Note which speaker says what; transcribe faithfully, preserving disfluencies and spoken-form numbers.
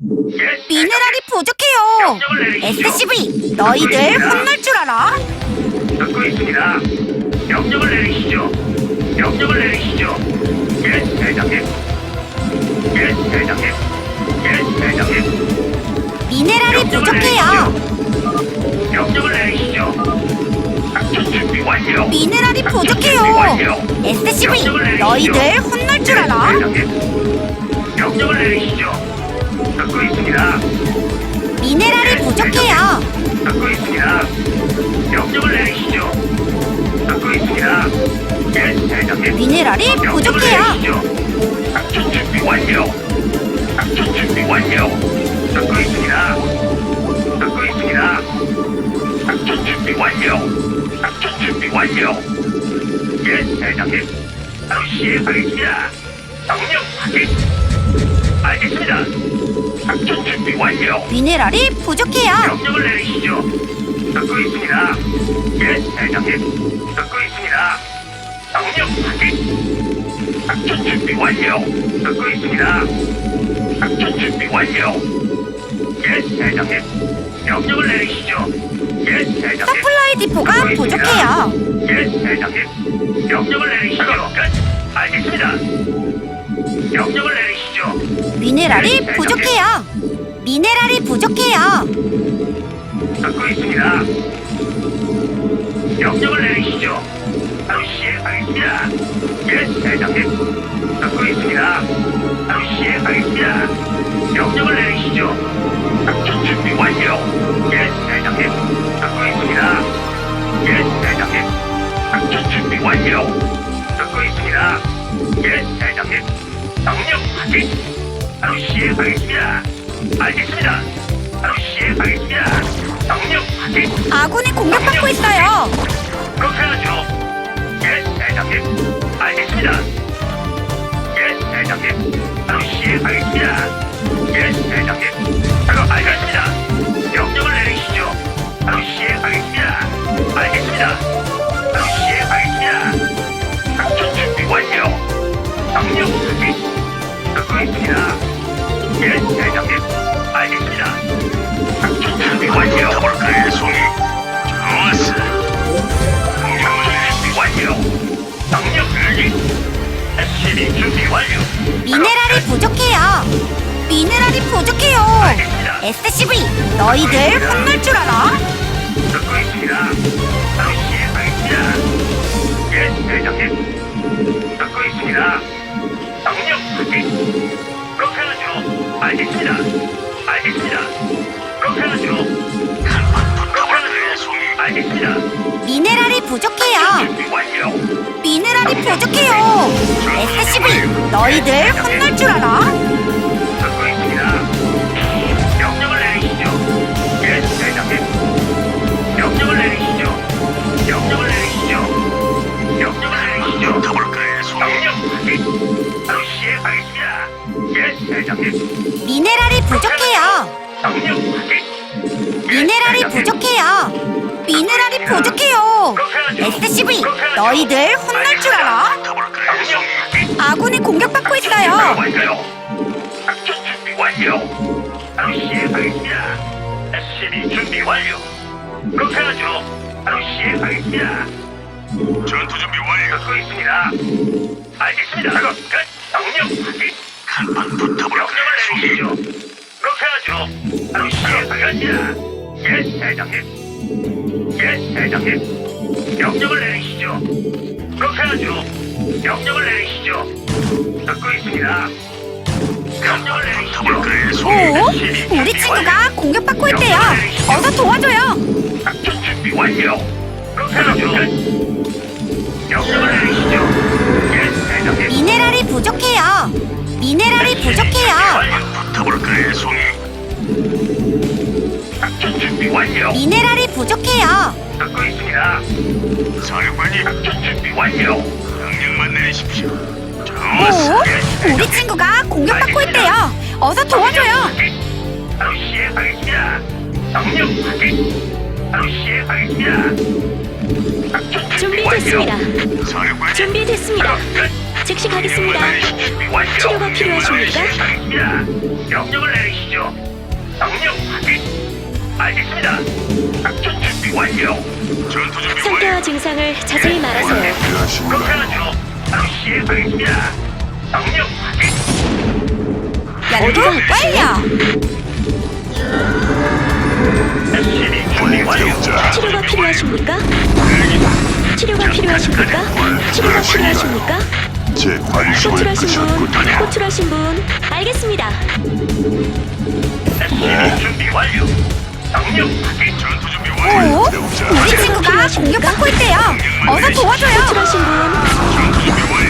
Speaker 1: 예,
Speaker 2: 미네랄이 부족해요. 에스씨비, 너희들 혼날 줄 알아?
Speaker 1: 듣고 있습니다. 명령을 내리시죠. 명령을 내리시죠. 예, 대장님. 예, 대장님. 예, 대장님.
Speaker 2: 미네랄이 부족해요.
Speaker 1: 명령을 내리시죠. 작전 준비 완료.
Speaker 2: 미네랄이
Speaker 1: 작전 준비
Speaker 2: 부족해요.
Speaker 1: 완료.
Speaker 2: 에스씨비,
Speaker 1: 명령을 내리시죠.
Speaker 2: 너희들 혼날 줄 알아?
Speaker 1: 대장님. 명령을 내리시죠. 듣고 있습니다.
Speaker 2: 미네랄이 부족해요.
Speaker 1: 듣고 있습니다. 명령을 내리시죠. 듣고 있습니다. 예, 대장님.
Speaker 2: 미네랄이 부족해요.
Speaker 1: 작전 준비 완료. 작전 준비 완료. 듣고 있습니다. 듣고 있습니다. 작전 준비 완료. 작전 준비 완료. 예, 대장님. 바로 시행하겠습니다. 명령 확인. 알겠습니다. 작전 준비 완료.
Speaker 2: 미네랄이 부족해요.
Speaker 1: 명령을 내리시죠. 듣고 있습니다. 예, 대장님. 듣고 있습니다. 명령 확인. 작전 준비 완료. 듣고 있습니다. 작전 준비 완료. 예, 대장님. 명령을 내리시죠. 예, 대장님.
Speaker 2: 서플라이 디포가
Speaker 1: 듣고 있습니다.
Speaker 2: 부족해요.
Speaker 1: 예, 대장님. 명령을 내리시죠. 끝. 알겠습니다. 명령을 내리시죠.
Speaker 2: 미네랄이 부족해요. 미네랄이 부족해요.
Speaker 1: 듣고 있습니다. 명령을 내리시죠. 바로 시행하겠습니다. 예, 대장님. 듣고 있습니다. 바로 시행하겠습니다. 명령을 내리시죠. 작전 준비 완료. 예, 대장님. 듣고 있습니다. 예, 대장님. 작전 준비 완료. 듣고 있습니다. 예, 대장님. 명령 확인. 바로 시행하겠습니다. 알겠습니다. 바로 시행하겠습니다. 명령 확인.
Speaker 2: 아군이 공격받고 있어요.
Speaker 1: 그렇게 하죠. 예, 대장님. 알겠습니다. 예, 대장님. 바로 시행하겠습니다. 예, 대장님. 바로 알겠습니다. 명령을 내리시죠. 바로 시행하겠습니다. 알겠습니다. 바로 시행하겠습니다. 작전 준비 완료. 명령 확인. 듣고 있습니다. 예, 대장님. 알겠습니다. 작전 준비 완료. 더블클의 송이. 좋았어. 명령 준비 완료. 명령 확인. 에스씨비 준비 완료.
Speaker 2: 미네랄이 부족해요. 미네랄이 부족해요.
Speaker 1: 알겠습니다.
Speaker 2: 에스씨비, 너희들 혼날 줄 알아?
Speaker 1: 듣고 있습니다. 바로 시행하겠습니다. 예, 대장님. 듣고 있습니다. 명령 확인. 그렇게 하죠. 알겠습니다. 알겠습니다. 그렇게 하죠. 그렇게 하죠. 알겠습니다.
Speaker 2: 미네랄이 부족해요.
Speaker 1: 준비 완료.
Speaker 2: 미네랄이 부족해요. 에스씨비, 너희들 혼날 줄 알아?
Speaker 1: 듣고 있습니다. 명령을 내리시죠. 예, 대장님. 명령을 내리시죠. 명령을 내리시죠. 명령을 내리시죠. 더블클의 송이. 명령 확인. 바로 시행하겠습니다. 예, 대장님.
Speaker 2: 미네랄이 부족해요.
Speaker 1: 명령 확인. 예,
Speaker 2: 미네랄이
Speaker 1: 대장님.
Speaker 2: 부족해요. 미네랄이 부족해요. 에스씨비, 너희들 혼날 줄 알아?
Speaker 1: 더블클의 송이.
Speaker 2: 아군이 공격받고 있어요.
Speaker 1: 완료. 작전 준비 완료. 바로 시행하겠습니다. 에스씨비 준비 완료. 그렇게 하죠. 바로 시행하겠습니다. 전투 준비 완료. 듣고 있습니다. 알겠습니다. 작업 끝. 명령 확인. 간판 붙어버렸습니다. 명령을 내리시죠. 그렇게 하죠. 바로 시행하겠습니다. 예, 대장님. 예, 대장님. 명령을 내리시죠. 그렇게 하죠. 명령을 내리시죠. 듣고 있습니다. 명령을 내리시죠.
Speaker 2: 오, 우리 친구가 공격받고 있대요. 어서 도와줘요.
Speaker 1: 작전 준비 완료. 그렇게 하죠. 명령을 내리시죠. 예, 대장님.
Speaker 2: 미네랄이 부족해요. 미네랄이 부족해요.
Speaker 1: 붙어볼까요, 송이? 작전 준비 완료.
Speaker 2: 미네랄이 부족해요.
Speaker 1: 듣고 있습니다. 사령관님, 작전 준비 완료. 명령만 내리십시오.
Speaker 2: 오, 우리 친구가 공격받고 있대요. 어서 도와줘요.
Speaker 1: 바로 시행하겠습니다. 명령 확인. 바로 시행하겠습니다. 작전 준비 완료.
Speaker 3: 준비됐습니다.
Speaker 1: 사령관님.
Speaker 3: 준비됐습니다.
Speaker 1: 작업 끝.
Speaker 3: 즉시 가겠습니다.
Speaker 1: 완료.
Speaker 3: 치료가 필요하십니까?
Speaker 1: 시행하겠습니다. 명령을 내리시죠. 명령 확인. 알겠습니다. 작전 준비 완료. 전투 준비
Speaker 3: 상태와 증상을 자세히 말하세요.
Speaker 1: 그렇게 하죠. 바로 시행하겠습니다. 명령 확인.
Speaker 2: 연구 완료.
Speaker 1: 에스씨비 준비 완료.
Speaker 3: 치료가 필요하십니까? 치료가 필요하십니까? 치료가 필요하십니까?
Speaker 4: 제 관심을
Speaker 3: 호출하신 분,
Speaker 4: 끄셨군요.
Speaker 3: 호출하신 분, 알겠습니다.
Speaker 1: 에스씨비 준비 완료. 명령 확인. 전투 준비 완료.
Speaker 2: 오? 우리 친구가 공격받고 있대요. 어서 도와줘요.
Speaker 3: 호출하신 분,
Speaker 1: 전투 준비 완료.